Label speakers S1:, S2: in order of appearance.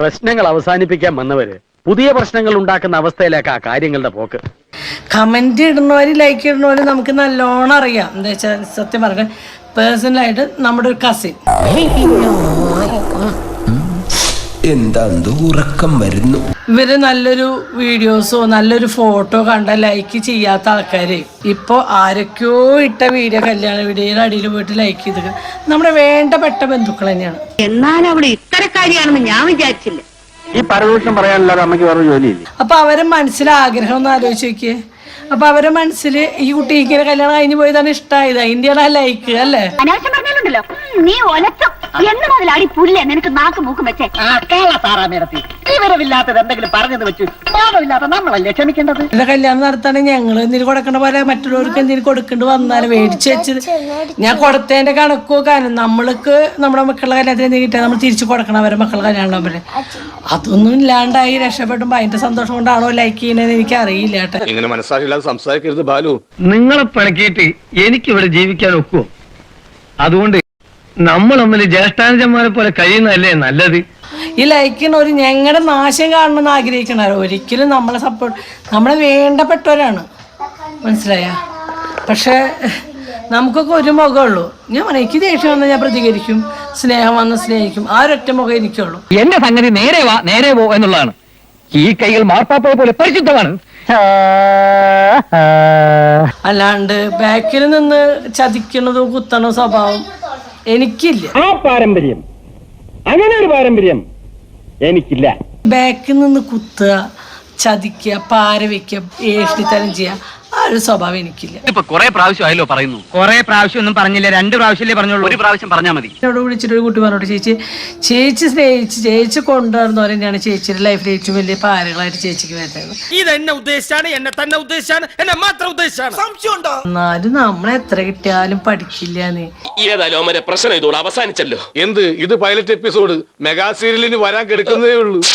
S1: പ്രശ്നങ്ങൾ അവസാനിപ്പിക്കാൻ വന്നവര് പുതിയ പ്രശ്നങ്ങൾ ഉണ്ടാക്കുന്ന അവസ്ഥയിലേക്കാ കാര്യങ്ങളുടെ പോക്ക്.
S2: കമന്റ് ഇടുന്നവര് ലൈക്ക് ഇടുന്നവര് നമുക്ക് നല്ലോണം അറിയാം. എന്താ വെച്ചാൽ സത്യം പറഞ്ഞ പേഴ്സണലായിട്ട് നമ്മുടെ ഒരു കസിൻ
S3: എന്താ ഉറക്കം വരുന്നു.
S2: ഇവര് നല്ലൊരു വീഡിയോസോ നല്ലൊരു ഫോട്ടോ കണ്ട ലൈക്ക് ചെയ്യാത്ത ആൾക്കാര് ഇപ്പൊ ആരൊക്കെയോ ഇട്ട വീഡിയോ കല്യാണ വീഡിയോയുടെ അടിയിൽ പോയിട്ട് ലൈക്ക് ചെയ്ത് നമ്മുടെ വേണ്ടപ്പെട്ട ബന്ധുക്കൾ തന്നെയാണ്.
S4: എന്നാൽ അവിടെ ഇത്തരക്കാരിയാണെന്ന് ഞാൻ വിചാരിച്ചില്ല.
S1: ഈ പരദൂഷണം പറയാനല്ലാതെ അമ്മയ്ക്ക് വേറെ ജോലിയില്ല.
S2: അപ്പൊ അവരെ മനസ്സിലെ ആഗ്രഹം ഒന്ന് ആലോചിച്ച് നോക്കിയേ. അപ്പൊ അവരെ മനസ്സിൽ ഈ കുട്ടി ഇങ്ങനെ കല്യാണം കഴിഞ്ഞു പോയതാണ് ഇഷ്ടമായത്. അതിന്റെയാണ് ലൈക്ക് അല്ലേ?
S4: അനാവശ്യം പറഞ്ഞാലുണ്ടല്ലോ നീ ഒലച്ചോ എന്ന് മുതലാടി പുല്ലേ നിനക്ക് നാക്ക് മൂക്കും വെച്ചേ. വിവരമില്ലാത്തത് എന്തെങ്കിലും പറഞ്ഞത് വെച്ച് പാപമില്ലാത്ത നമ്മളല്ലേ ക്ഷമിക്കേണ്ടത്.
S2: എന്റെ കല്യാണം നടത്താണെങ്കിൽ ഞങ്ങൾ എന്തിനു കൊടുക്കേണ്ട പോലെ മറ്റുള്ളവർക്ക് എന്തിനു കൊടുക്കേണ്ടി വന്നാലും മേടിച്ചു വെച്ചത് ഞാൻ കൊടുത്തതിന്റെ കണക്ക് നോക്കാനും നമ്മൾക്ക് നമ്മുടെ മക്കളുടെ കല്യാണത്തിന് എന്തെങ്കിലും കിട്ടിയാൽ നമ്മൾ തിരിച്ചു കൊടുക്കണം അവരെ മക്കളുടെ കല്യാണം പോലെ. അതൊന്നും ഇല്ലാണ്ടായി രക്ഷപ്പെട്ടുമ്പോ അതിന്റെ സന്തോഷം കൊണ്ടാണോ ലൈക്ക് ചെയ്യണതെന്ന് എനിക്ക് അറിയില്ല കേട്ടോ.
S5: ഇങ്ങനെ മനസ്സാക്ഷിയില്ലാതെ സംസാരിക്കരുത് ബാലു.
S6: നിങ്ങളെ പിണക്കിയിട്ട് എനിക്കിവിടെ ജീവിക്കാൻ ഒക്കുവോ? അതുകൊണ്ട് നമ്മൾ തമ്മിൽ ജ്യേഷ്ഠാനുജന്മാരെ പോലെ കഴിയുന്നതല്ലേ നല്ലത്.
S2: ഈ ലൈക്കിന് ഒരു ഞങ്ങളുടെ നാശം കാണണമെന്ന് ആഗ്രഹിക്കണവർ ഒരിക്കലും നമ്മളെ സപ്പോർട്ട് നമ്മളെ വേണ്ടപ്പെട്ടവരാണ്, മനസ്സിലായ? പക്ഷെ നമുക്കൊക്കെ ഒരു മുഖമുള്ളൂ. ഞാൻ പറയാം എനിക്ക് ദേഷ്യം വന്നാൽ ഞാൻ പ്രതികരിക്കും, സ്നേഹം വന്ന് സ്നേഹിക്കും. ആ ഒരൊറ്റ മുഖം എനിക്കുള്ളൂ.
S6: എന്റെ സംഗതി നേരെ വാ നേരെ പോ എന്നുള്ളതാണ്. ഈ കൈകൾ മാർപ്പാപ്പയെ പോലെ പരിശുദ്ധമാണ്.
S2: അല്ലാണ്ട് ബാക്കിൽ നിന്ന് ചതിക്കണതും കുത്തണ സ്വഭാവം എനിക്കില്ല.
S6: ആ പാരമ്പര്യം, അങ്ങനെ ഒരു പാരമ്പര്യം എനിക്കില്ല.
S2: ബാക്കിൽ നിന്ന് കുത്തുക, ചതിക്കുക, പാര വയ്ക്കുക, ഏഷ്ടിത്തരം ചെയ്യുക, ആ ഒരു സ്വഭാവം എനിക്കില്ല.
S1: ഇപ്പൊ കുറെ പ്രാവശ്യം ആയല്ലോ പറയുന്നു.
S6: കുറെ പ്രാവശ്യം ഒന്നും പറഞ്ഞില്ല, 2 പ്രാവശ്യമല്ലേ പറഞ്ഞോളൂ.
S1: ഒരു പ്രാവശ്യം പറഞ്ഞാൽ മതി.
S2: എന്നോട് വിളിച്ചിട്ട് ഒരു കുട്ടി പറഞ്ഞോട്ട് ചേച്ചി സ്നേഹിച്ച് ചേച്ചി കൊണ്ടുവരുന്നവർ തന്നെയാണ് ചേച്ചിയുടെ ലൈഫിൽ ഏറ്റവും വലിയ പാരകളായിട്ട് ചേച്ചിക്ക് വരുന്നത്.
S7: ഇതെന്നെ ഉദ്ദേശിച്ചാണ്, എന്നെ തന്നെ ഉദ്ദേശിച്ചാണ്, എന്നെ മാത്രം ഉദ്ദേശിച്ചാണ്. സംശയമുണ്ടോ?
S2: എന്നാലും നമ്മളെ എത്ര കിട്ടിയാലും പഠിക്കില്ലാന്ന്.
S5: ഏതായാലും പ്രശ്നം ഇതോടെ അവസാനിച്ചല്ലോ. എന്ത് ഇത് പൈലറ്റ് എപ്പിസോഡ് മെഗാ സീരിയലിന് വരാൻ കിടക്കുന്നതേ ഉള്ളൂ.